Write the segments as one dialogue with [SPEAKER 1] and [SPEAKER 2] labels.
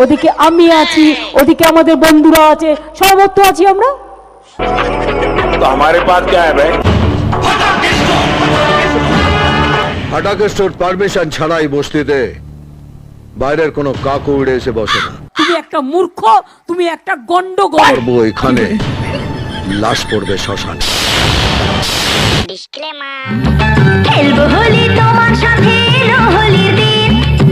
[SPEAKER 1] ওদিকে আমি আছি, ওদিকে আমাদের বন্ধুরা আছে, সর্বত্র আছি আমরা।
[SPEAKER 2] तो हमारे पास क्या है भाई?
[SPEAKER 3] ফাটাকে স্টোর পারমিশন ছাড়াই বস্তিতে বাইরের কোনো কাকু উড়ে এসে বসে না।
[SPEAKER 1] তুমি একটা মূর্খ, তুমি একটা গন্ডগোল।
[SPEAKER 3] করবো এখানে, লাশ পড়বে শ্মশান।
[SPEAKER 4] খেলবো হোলি তোমার সাথে, এলো হোলির দিন।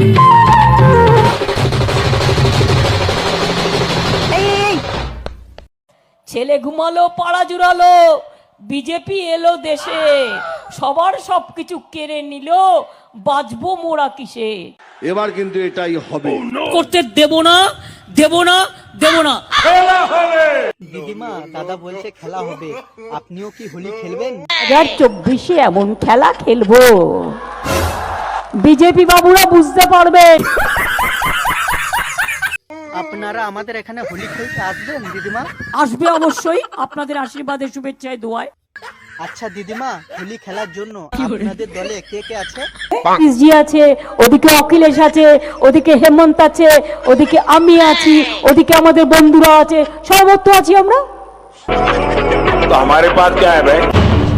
[SPEAKER 1] ছেলে ঘুমালো, পাড়া জুড়ালো, বিজেপি এলো দেশে, সবার সবকিছু কেড়ে নিল, বাঁচবো মোরা কিসে।
[SPEAKER 5] এবার কিন্তু এটাই হবে।
[SPEAKER 1] করতে দেব না, দেব না, দেব না।
[SPEAKER 6] দিদিমা, দাদা বলছে খেলা হবে, আপনিও কি হোলি খেলবেন?
[SPEAKER 1] 2024 এমন খেলা খেলবো, বিজেপি বাবুরা বুঝতে পারবে।
[SPEAKER 6] আপনারা আমাদের এখানে হোলি খেলতে আসবেন দিদিমা?
[SPEAKER 1] আসবে অবশ্যই, আপনাদের আশীর্বাদে, শুভেচ্ছায়, দোয়ায়।
[SPEAKER 6] আচ্ছা দিদিমা, হোলি খেলার জন্য আপনাদের দলে কে কে আছে?
[SPEAKER 1] জি আছে, ওদিকে অখিলেশ আছে, ওদিকে হেমন্ত আছে, ওদিকে আমি আছি, ওদিকে আমাদের বন্ধুরা আছে, সর্বত্র আছি আমরা।
[SPEAKER 2] तो हमारे पास क्या है भाई?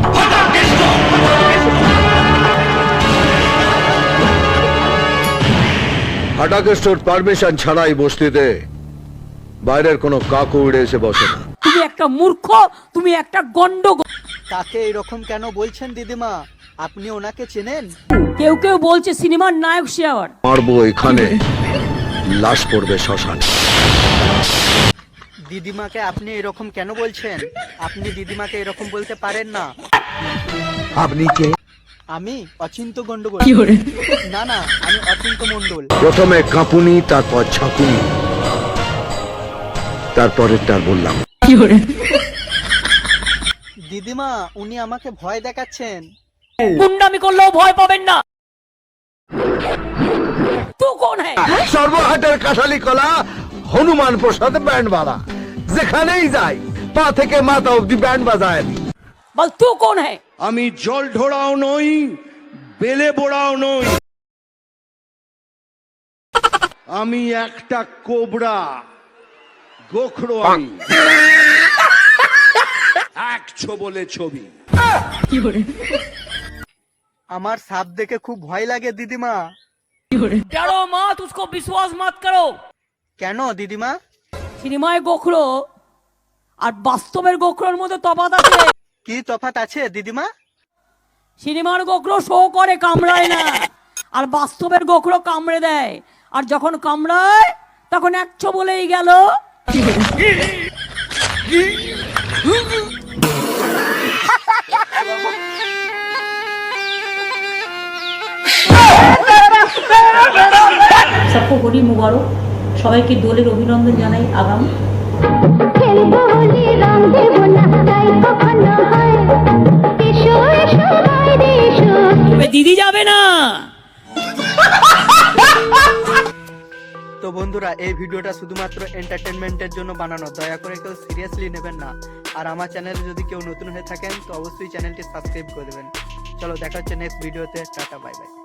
[SPEAKER 3] ফাটাকে স্টোর পারমিশন ছাড়াই বস্তিতে বাইরের কোনো কাকু উড়ে এসে বসে না।
[SPEAKER 1] তুমি একটা মূর্খ, তুমি একটা গন্ডগোল।
[SPEAKER 6] তাকে এরকম কেন বলছেন দিদিমা? আপনি ওনাকে চেনেন?
[SPEAKER 1] কেউ কেউ বলছে সিনেমার নায়ক সে আবার।
[SPEAKER 3] মারবো এখানে, লাশ পড়বে শ্মশান।
[SPEAKER 6] দিদিমাকে আপনি এরকম কেন বলছেন? আপনি দিদিমাকে এরকম বলতে পারেন না।
[SPEAKER 3] আপনি কে?
[SPEAKER 6] আমি অচিন্ত গন্ডগোল। না না, আমি অচিন্ত মন্ডল।
[SPEAKER 3] প্রথমে কাঁপুনি, তারপর ঝাঁকুনি, তারপরেরটা বললাম।
[SPEAKER 6] দিদিমা, উনি আমাকে ভয় দেখাচ্ছেন।
[SPEAKER 1] গুন্ডামি করলেও ভয় পাবেন না। তু কোন হ্যায়?
[SPEAKER 3] সর্বহাটের কাঁঠালি কলা, হনুমান প্রসাদ ব্যান্ড বালা, যেখানেই যাই পা থেকে মাথা অব্দি ব্যান্ড বাজায়।
[SPEAKER 1] বল তু কোন হ্যায়?
[SPEAKER 5] আমি জল ঢোড়াও নই, বেলে বোড়াও নই, আমি একটা কোবরা, গোখরো আমি। একশো বলে ছবি।
[SPEAKER 6] আমার সাপ দেখে খুব ভয় লাগে দিদিমা।
[SPEAKER 1] डरो मत, उसको विश्वास मत करो।
[SPEAKER 6] কেন দিদিমা?
[SPEAKER 1] সিনেমায় গোখরো আর বাস্তবের গোখরোর মধ্যে তফাৎ আছে।
[SPEAKER 6] কি তফাৎ আছে দিদিমা?
[SPEAKER 1] সিনেমার গোখরো শো করে, কামড়ায় না, আর বাস্তবের গোখরো কামড়ে দেয়, আর যখন কামড়ায় তখন 100 বলেই গেল। सबको होली मुबारक, সবাইকে দোলের অভিনন্দন জানাই। আগাম
[SPEAKER 4] খেলবো হোলি, রং দেব না, তাই কখনো হয়। এসো এসো বাইরে এসো।
[SPEAKER 1] তবে দিদি যাবে না।
[SPEAKER 6] তো বন্ধুরা, এই ভিডিওটা শুধুমাত্র এন্টারটেনমেন্টের জন্য বানানো, দয়া করে কেউ সিরিয়াসলি নেবেন না। আর আমার চ্যানেলে যদি কেউ নতুন হয়ে থাকেন তো অবশ্যই চ্যানেলটি সাবস্ক্রাইব করে দেবেন। চলো দেখা হচ্ছে নেক্সট ভিডিওতে। Tata, bye by.